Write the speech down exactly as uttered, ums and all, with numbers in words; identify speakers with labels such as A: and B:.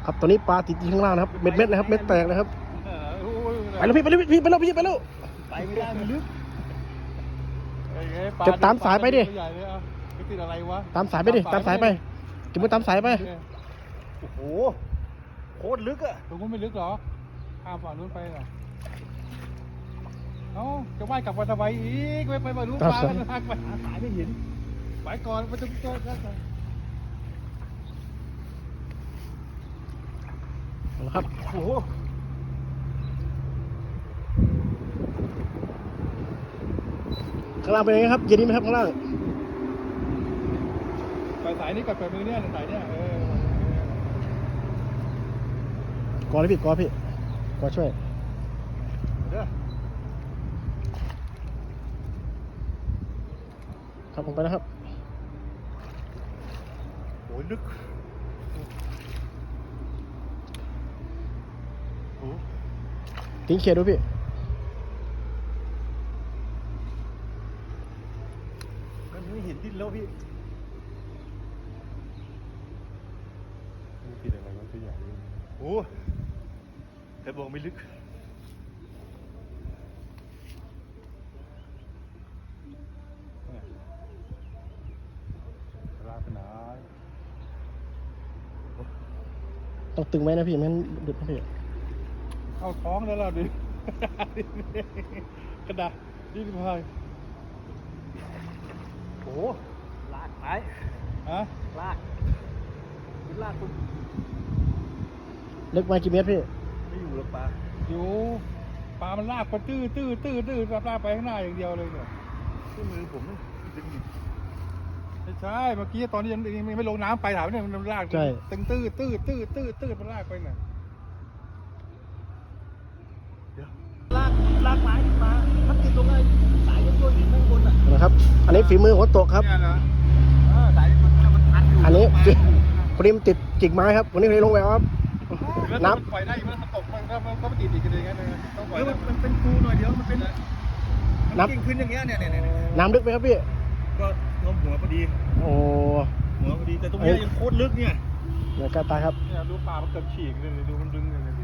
A: ครับตอนนี้ปลาติดอยู่ข้างล่างนะครับเม็ดเม็ดนะครับเม็ดแตกนะครับไปแล้วพี่ไปแล้วพี่ไปแล้วพี่ไปแล้ว
B: ไปไม่ได้มันลึก
A: จะตามสายไปดิ
B: ติดอะไรวะ
A: ตามสายไปดิตามสายไปจะมือตามสายไป
B: โอ้โหโคตรลึกอะ
C: ตรงนู้นไม่ลึกหรอข้ามฝั่งนู้นไปเหรอเอ้าจะว่ายกลับมาทำไมอีกไปไปฝั่งนู้นปลากันทางไปหาสายไม่เห็นไปก่อนไปจะเจอกัน
A: ครับ
B: โอ้โห
A: ข้างล่างเป็นยังไงครับเย็นนี้ไหมครับข้างล่าง
C: ไปสายนี้ก่อนไปมือเนี่ยสายเนี่ยเออก
A: อเลยพี่กอพี่กอช่วย
B: เด้อ
A: ครับผมไปนะครับ
B: โอ้ยลึกโอ้
A: ทิ้งเขียดดูพี่
B: มันไม่เห็นดินแล้วพี่
C: ติดอะไรวะตัวใหญ่
B: โอ้แต่บอกไม่ลึก
C: ลากไปไหน
A: ต้องตึงไว้นะพี่ไม่งั้นหลุดนะพี่
C: เข้าท้องแล้วล่ะดิกระดาษดิ้นพาย
B: โอ้ลากไป
C: ฮะ
B: ลากขึ้นลากคุณ
A: เล็กมากี่เมตรพี่
B: ไม่อยู่หรอกปลา
C: อยู่ปลามันลากไปตื้อตื้อตื้อตื้อลากไปข้างหน้าอย่างเดียวเลยเนี่ย
B: ที่มือผมดึงอยู่
C: ไม่ใช่เมื่อกี้ตอนนี้ยังยังไม่ลงน้ำไปถามเนี่ยมันลากตึงตื้อตื้อตื้อตื้อตื้อมันลากไปน่ะ
B: ลากลากไม้ขึ้นมาถ้าติดตรงไอ้สายยังโยนหินข้างบนอ่ะ
A: นะครับ อันนี้ฝีมือหัวโตกครับ
C: เนี่ยนะ
B: เออสายมันมันพันอยู่
A: อันนี้พอดีมันติดกิ่งไม้ครับวันนี้เลยลงแววครับ
C: น้ำปล่อยได้มันตกมันก็มันก็ไม่ติดอีกเลยงั้นเลยต้องปล่อย
B: เออมันมันเป็นครูหน่อยเดียวมันเป็นมันกิ่งขึ้นอย่างเงี้ยเนี่ยเนี่ยเนี่ย
A: น้ำลึกไหมครับพี่
B: ก็งมหัวพอดี
A: โอ้
B: หัวพอดีแต่ตรงเนี้ยยังโคตรลึกเนี่ย
A: เดี๋ยวกล้าตายครับ
C: เนี่ยดูปลามันเกือบฉีกเลยดูมันดึงเลยดู